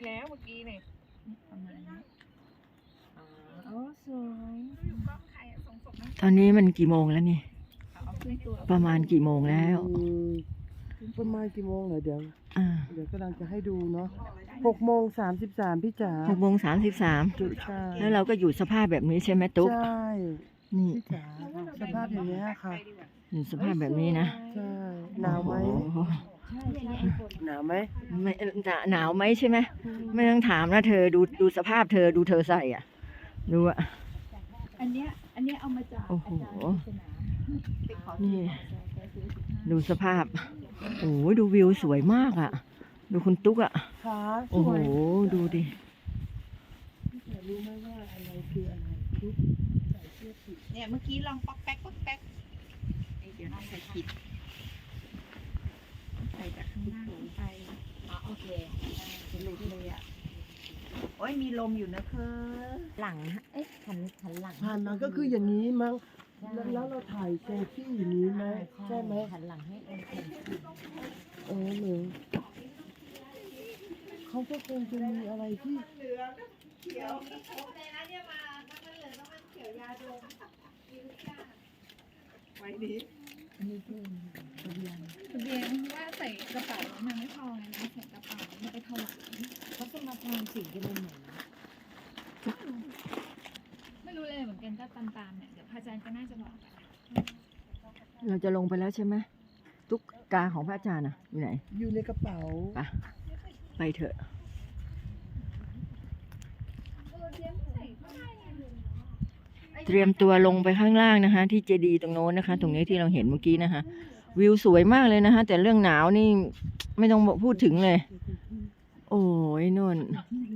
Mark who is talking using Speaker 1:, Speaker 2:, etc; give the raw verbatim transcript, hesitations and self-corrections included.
Speaker 1: แล้วเมื่อกี้เนี่ยประมาณนี้อ๋อโอ้สวยกล้องใครอะส่งศพนั่น
Speaker 2: ตอนนี้มันกี่โมงแล้วนี่
Speaker 1: เอาขึ้นตัว
Speaker 2: ประมาณกี่โมงแล้ว
Speaker 3: อืมประมาณกี่โมงเหรอเดี๋ยว
Speaker 2: อ่า
Speaker 3: เดี๋ยวกำลังจะให้ดูเนาะหกโมงสามสิบสามพี่จ๋า
Speaker 2: หกโมงสามสิบสาม
Speaker 3: จุใช่
Speaker 2: แล้วเราก็อยู่สภาพแบบนี้ใช่ไหมตุ๊ก
Speaker 3: ใช่
Speaker 2: นี่
Speaker 3: พี่จ๋าสภาพอย่างเงี้ยค่ะ
Speaker 2: อยู่สภาพแบบนี้นะ
Speaker 3: ใช่หนาวไหม
Speaker 2: โอ้โห
Speaker 3: หนาวไหม
Speaker 2: ไม่หนาหนาวไหมใช่ไหมไม่ต้องถามนะเธอดูดูสภาพเธอดูเธอใส่อ่ะดูอ่ะ
Speaker 1: อันเนี้ยอันเนี้ยเอามาจาก
Speaker 2: โอ้โห
Speaker 1: อาจารย์ปริศนาไปขอ
Speaker 2: นี่
Speaker 1: แกซื้อสิบห้า
Speaker 2: ดูสภาพโอ้โหดูวิวสวยมากอ่ะ ดูคุณตุ๊กอ่ะ
Speaker 3: ขาส
Speaker 2: โอ้โห
Speaker 3: วย
Speaker 2: ดูดิ
Speaker 3: พี่จ๋ารู้ไหมว่าอะไรคืออะไรทุกใส่เสื้อผิด
Speaker 1: เนี่ยเมื่อกี้ลองป๊อกแป๊กป๊อกแป๊กเอ้ยเดี๋ยวน่าใส่ผิดใส่จากข้างล่างลงไปอ๋อโอเคจะหลุดเลยอ่ะโอ้ยมีลมอยู่นะเธอ
Speaker 4: หลังเอ๊ะหันหันหลัง
Speaker 3: ผ่านมาก็คืออย่างนี้มั้งแล้วแล้วเราถ่ายเซลฟี่อย่างนี้ไหมใช่ไหม
Speaker 4: หันหลังให้เอ็นเอ็น
Speaker 3: เออหนึ่งเขาก็คงจะมีอะไรที่
Speaker 4: อันนี้คือทะเบียน
Speaker 1: ทะเบียนว่าใส่กระเป๋ามันไม่พอไงนะใส่กระเป๋ามันไปถวาย
Speaker 4: เขาจะมาทำสิ่งที่เป็นเหมือน
Speaker 1: ไม่รู้เลยเหมือนกันก็ตามๆเนี่ยเดี๋ยวพระอาจารย์ก็น่าจะบอก
Speaker 2: เราจะลงไปแล้วใช่ไหมตุ๊กกาของพระอาจารย์อ่ะอยู่ไหน
Speaker 3: อยู่ในกระเป๋า
Speaker 2: ไปไปเถอะ เตรียมตัวลงไปข้างล่างนะคะ ที่เจดีย์ตรงโน้นนะคะ ตรงนี้ที่เราเห็นเมื่อกี้นะคะ วิวสวยมากเลยนะคะ แต่เรื่องหนาวนี่ไม่ต้องพูดถึงเลย โอ้ยนน